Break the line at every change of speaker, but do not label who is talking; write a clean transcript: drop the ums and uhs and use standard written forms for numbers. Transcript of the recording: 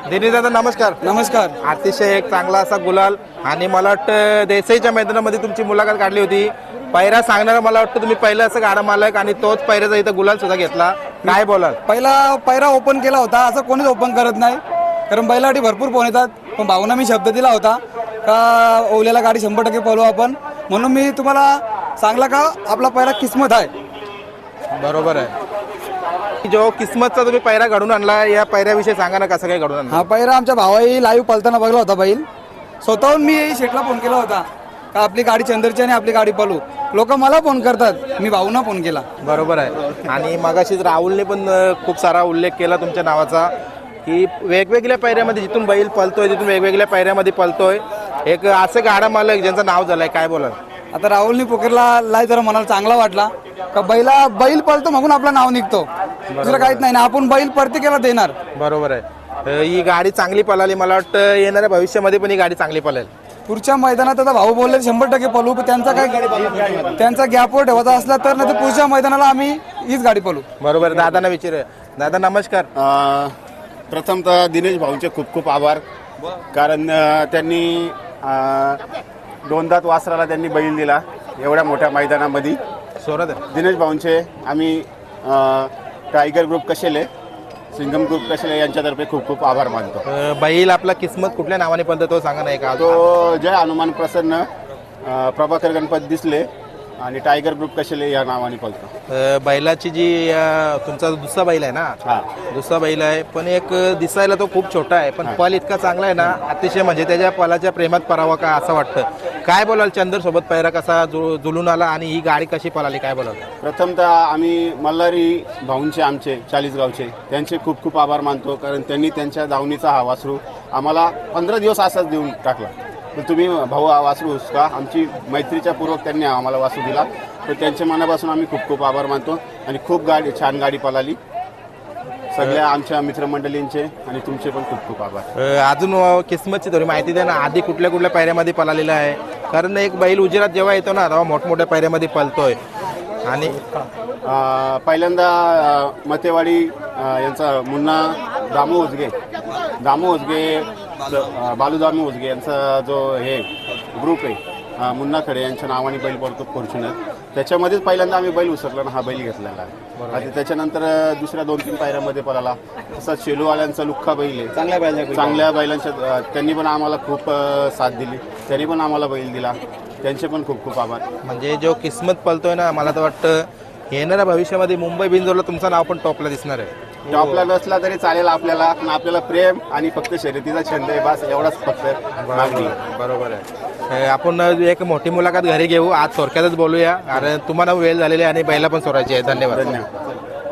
दिनेश दादा नमस्कार.
नमस्कार.
अतिशय एक चांगला असा गुलाल आणि मला वाटतं देसाईच्या मैदानामध्ये तुमची मुलाखत काढली होती. पैरा सांगणारा मला वाटतं तुम्ही पहिलं असं गाडा मालक आणि तोच पैऱ्याचा इथं गुलाल सुद्धा घेतला. काय बोलाल?
पहिला पैरा ओपन केला होता, असं कोणीच ओपन करत नाही, कारण बैलासाठी भरपूर फोन येतात. पण भाऊना मी शब्द दिला होता का ओल्याला गाडी 100% पळवू आपण, म्हणून मी तुम्हाला सांगला का आपला पैरा किस्मत आहे.
बरोबर आहे. जो किस्मतचा तुम्ही पैरा घडून आणला, या पैऱ्याविषयी सांगा ना, कसं काय घडून आणला?
हा पैरा आमच्या भावाई लाईव्ह पळताना बघला होता बैल. स्वतःहून मी शेटला फोन केला होता का आपली गाडी चंदरची आणि आपली गाडी पळू. लोक मला फोन करतात, मी भाऊना फोन केला.
बरोबर आहे. आणि मगाशीच राहुलने पण खूप सारा उल्लेख केला तुमच्या नावाचा की वेगवेगळ्या पैऱ्यामध्ये जिथून बैल पळतोय तिथून वेगवेगळ्या पैऱ्यामध्ये पळतोय. एक असं गाडा मालक ज्यांचं नाव झालंय, काय बोलाल?
आता राहुलनी पोकरला लाई जरा मनाला चांगला वाटला का बैल पळतो म्हणून आपलं नाव निघतो, दुसरं काहीच नाही ना. आपण बैल प्रत्येकाला देणार.
बरोबर आहे. ही गाडी चांगली पळाली, मला वाटतं येणाऱ्या भविष्यामध्ये पण ही गाडी चांगली पळेल.
पुढच्या मैदानात आता भाऊ बोलले 100% पळू, पण त्यांचा गॅपवर ठेवायचा असला तर नाही तर पुढच्या मैदानाला आम्ही हीच गाडी पळू.
बरोबर. दादांना विचार. दादा नमस्कार.
प्रथमतः दिनेश भाऊंचे खूप खूप आभार, कारण त्यांनी दोनदात वासराला त्यांनी बैल दिला एवढ्या मोठ्या मैदानामध्ये.
सोरत
दिनेश भाऊंचे आम्ही टायगर ग्रुप कशेले, सिंगम ग्रुप कशेले यांच्यातर्फे खूप खूप आभार मानतो.
बैल आपला किस्मत कुठल्या नावाने पळतो तो सांगा ना. का
तो जय हनुमान प्रसन्न प्रभाकर गणपत दिसले आणि टायगर ग्रुप कशेले या नावाने पळतो.
बैलाची जी तुमचा दुसरा बैल आहे ना,
हा
दुसरा बैल आहे, पण एक दिसायला तो खूप छोटा आहे, पण पल इतका चांगला आहे ना, अतिशय म्हणजे त्याच्या पलाच्या प्रेमात परावा का असं वाटतं. काय बोलाल? चंदर सोबत पैरा कसा जुळून आला आणि ही गाडी कशी पळाली, काय बोलाल?
प्रथमतः आम्ही मल्हारी भाऊंचे आमचे 40 गावचे त्यांचे खूप खूप आभार मानतो, कारण त्यांनी त्यांच्या दावणीचा हा वासरू आम्हाला 15 दिवस असाच देऊन टाकला. तर तुम्ही भाऊ हा वासरू का आमची मैत्रीच्या पूर्वक त्यांनी आम्हाला वासरू दिला, तर त्यांच्या मनापासून आम्ही खूप खूप आभार मानतो. आणि खूप छान गाडी पळाली. सगळ्या आमच्या मित्रमंडळींचे आणि तुमचे पण खूप खूप आभार.
अजून किस्मतची थोडी माहिती द्या ना, आधी कुठल्या कुठल्या पायऱ्यामध्ये पळालेला आहे? कारण एक बैल उजेरात जेव्हा येतो ना तेव्हा मोठमोठ्या पायऱ्यामध्ये पळतोय. आणि
पहिल्यांदा मतेवाडी यांचा मुन्ना दामू उजगे बालू दामू उजगे यांचा जो हे ग्रुप आहे मुन्ना खडे यांच्या नावाने बैल पडतो फॉर्च्युनर. त्याच्यामध्येच पहिल्यांदा आम्ही बैल उसरला ना हा बैल घेतलेला आहे. आणि त्याच्यानंतर दुसऱ्या 2-3 पायऱ्यामध्ये पळाला. तसंच शेलूवाल्यांचा लुख्खा बैल आहे, चांगल्या बैलांच्या त्यांनी पण आम्हाला खूप साथ दिली, त्यांनी पण आम्हाला बैल दिला, त्यांचे पण खूप खूप आभार.
म्हणजे जो किस्मत पळतोय ना, मला तर वाटतं येणाऱ्या भविष्यामध्ये मुंबई बिंजोरला तुमचं नाव पण टॉपला दिसणार आहे.
टॉपला नसला तरी चालेल आपल्याला, पण आपल्याला प्रेम आणि फक्त शर्यतीचा छंद आहे, बस एवढाच फक्त मागणी.
बरोबर आहे. आपण एक मोठी मुलाखत घरी घेऊ, आज थोडक्यातच बोलूया, कारण तुम्हाला वेळ झालेली आहे आणि बैला पण सोडायची आहे. धन्यवाद.
धन्यवाद.